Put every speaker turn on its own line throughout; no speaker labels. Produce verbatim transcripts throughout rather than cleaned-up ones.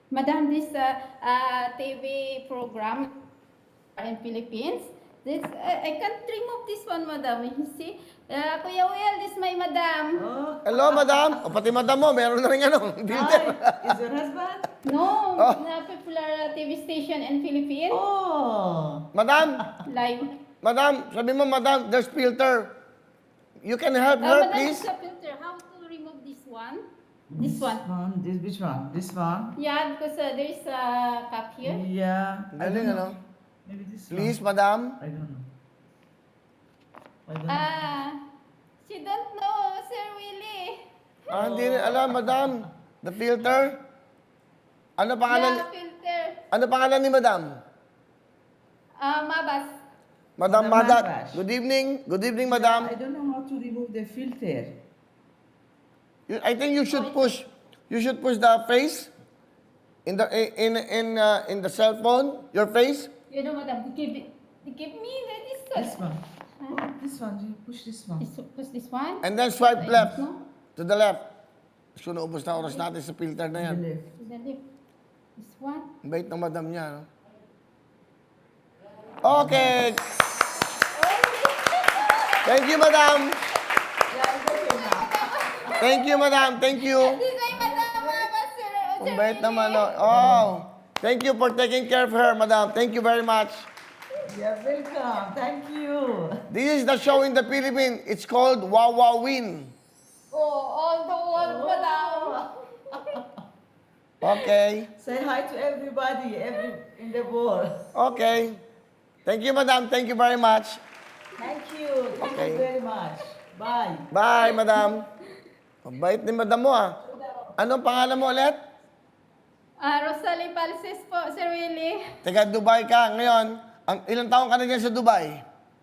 Madam, this uh, uh, T V program in Philippines, this uh, I can't remove this one, madam. You see, uh, Kuya Will, this my madam.
Oh,
Hello, madam. O, pati madam mo, meron na rin ano, filter.
hi. Is your husband?
No,
Oh.
na popular uh, T V station in Philippines.
Oh.
Madam,
Live.
madam, sabi mo, madam, there's filter. You can help
Uh,
her,
madam,
please?
sa filter, how to remove this one? This one.
One. This which one? This one?
Yeah, because uh, there is a cup here.
Yeah. I
Galing,
don't
ano?
know. Maybe this
Please,
one.
madam.
I don't know. I don't know.
Ah, she don't know, Sir Willie.
Ah, hindi rin alam, madam. The filter. Ano pangalan?
Yeah, filter.
Ano pangalan ni madam?
Ah, mabas.
Madam
Madam
Madat.
Mabash.
Good evening. Good evening,
I
madam.
don't know how to remove the filter.
You- I think you should push. You should push the face in the in in uh, in the cell phone. Your face.
You know, madam, give it. Give me the, this one.
This one. Oh, this one. You push this one.
This, push this one.
And then swipe left.
No?
To the left. So, naubos na oras natin sa filter na yan.
The left.
To the left. This one.
Ang bait ng madam niya, no? Okay. Thank you, madam. Thank you, madam. Thank you.
This ay madam, mabas, sir.
Ang bait naman, no? Oh. Thank you for taking care of her, madam. Thank you very much.
You're welcome. Thank you.
This is the show in the Philippines. It's called Wawa Win.
Oh, all the world, madam.
Okay.
Say hi to everybody, every in the world.
Okay. Thank you, madam. Thank you very much.
Thank you. Thank
Okay.
you very much. Bye.
Bye, madam. Ang bait ni madam mo, ah. Anong pangalan mo ulit?
Ah, Rosalie Palses po, Sir Willie.
Taga Dubai ka. Ngayon, ang ilang taon ka na dyan sa Dubai?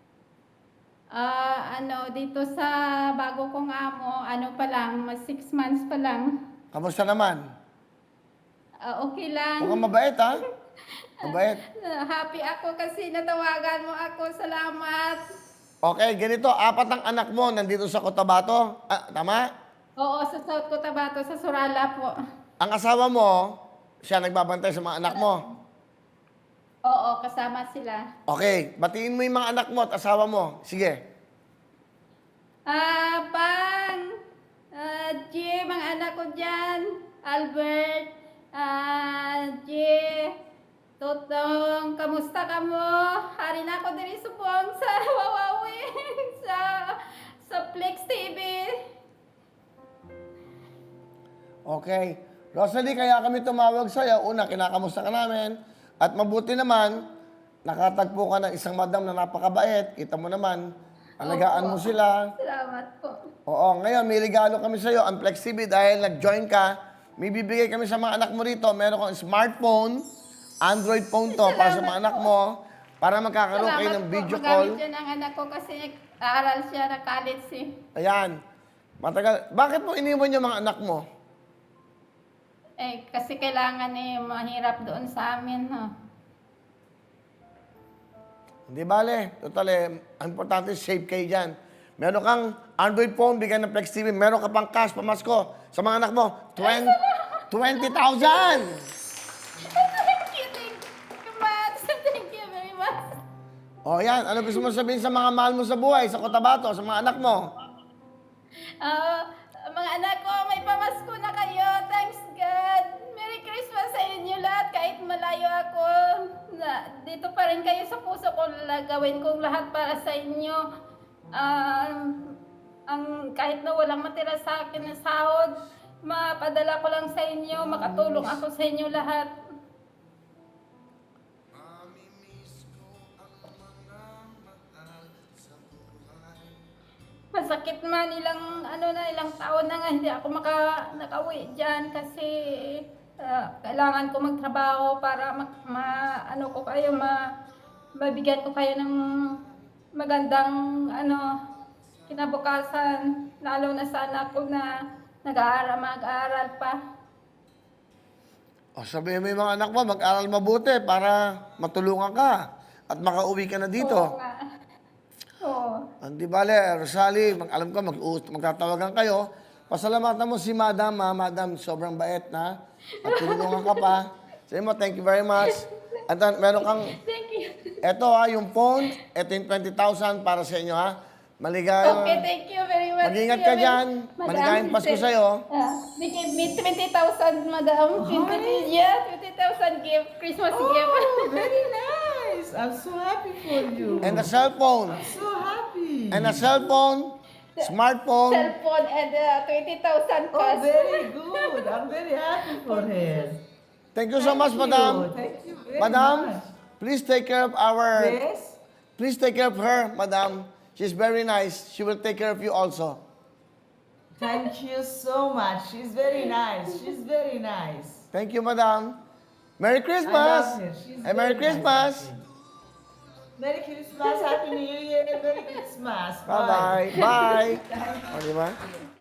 Ah, ano, dito sa bago kong amo, ano pa lang, mas six months pa lang.
Kamusta naman?
Ah, okay lang.
Mukhang mabait, ha? Mabait.
Ah, happy ako kasi natawagan mo ako. Salamat.
Okay, ganito. Apat ang anak mo nandito sa Cotabato. Ah, tama?
Oo, sa South Cotabato, sa Surala po.
Ang asawa mo, siya nagbabantay sa mga anak mo.
Oo, kasama sila.
Okay, batiin mo yung mga anak mo at asawa mo. Sige.
Ah, Pang, ah, Jay, mga anak ko dyan, Albert, ah, Jay, Totong, kamusta ka mo? Hari na ako diri supong sa Wawawi, sa, sa Flex T V.
Okay. Rosalie, kaya kami tumawag sa'yo. Una, kinakamusta ka namin. At mabuti naman, nakatagpo ka ng isang madam na napakabait. Kita mo naman, alagaan mo sila.
Salamat po.
Oo, ngayon may regalo kami sa'yo, ang Flex T V, dahil nag-join ka. May bibigay kami sa mga anak mo rito. Meron kang smartphone, Android phone to, para sa mga anak mo, para magkakaroon kayo ng video call.
Magamit yan ang anak ko kasi aaral siya na college eh.
Ayan. Matagal. Bakit mo iniwan yung mga anak mo?
Eh, kasi kailangan eh, mahirap doon sa amin, ha.
Hindi bale. Total eh, ang importante, safe kayo dyan. Meron kang Android phone, bigyan ng Flex T V. Meron ka pang cash, pamasko. Sa mga anak mo, twenty thousand!
Thank you, thank you much. Thank you very much.
O yan, ano gusto mo sabihin sa mga mahal mo sa buhay, sa Cotabato, sa mga anak mo?
Ah, mga anak ko, may pamasko na kayo. Thanks God. Merry Christmas sa inyo lahat. Kahit malayo ako, na, dito pa rin kayo sa puso ko. Gawin kong lahat para sa inyo. Ah, ang kahit na walang matira sa akin na sahod, mapadala ko lang sa inyo, makatulong ako sa inyo lahat. Masakit man ilang ano na ilang taon na nga hindi ako maka nakauwi diyan kasi ah, kailangan ko magtrabaho para ma, ma- ano ko kayo ma mabigyan ko kayo ng magandang ano kinabukasan, lalo na sa anak ko na nag-aaral mag-aaral pa.
O sabihin mo yung mga anak mo, mag-aral mabuti para matulungan ka at makauwi ka na dito.
Oo nga. Oo.
Hindi bale, Rosalie, mag alam ko, mag magtatawagan kayo Pasalamatan mo si Madam, ha? Madam, sobrang bait na. At tinulungan ka pa. Sabi mo, thank you very much. At uh, meron kang,
Thank you.
eto ha, yung phone, eto yung twenty thousand para sa inyo ha. Maligayang,
Okay, thank you very much.
mag-ingat ka
Madam.
dyan.
Madam,
Maligayang Pasko
thank-
sa'yo.
Ah, they gave me twenty thousand, madam. twenty, yeah, twenty thousand gift, Christmas
Oh,
gift.
very nice. I'm so happy for you.
And a cell phone.
So happy.
And a cell phone, smartphone.
Cellphone and uh, twenty thousand
Oh,
cash.
very good. I'm very happy for her.
Thank you so much,
Thank
Madam.
you. Thank you very
Madam,
much.
please take care of our,
Yes?
please take care of her, Madam. She's very nice. She will take care of you also.
Thank you so much. She's very nice. She's very nice.
Thank you, Madam. Merry
I
Christmas.
love her. She's
And Merry
very
Christmas.
Nice. Merry Christmas. Happy New Year. Merry Christmas.
Bye-bye. Bye. O, di ba?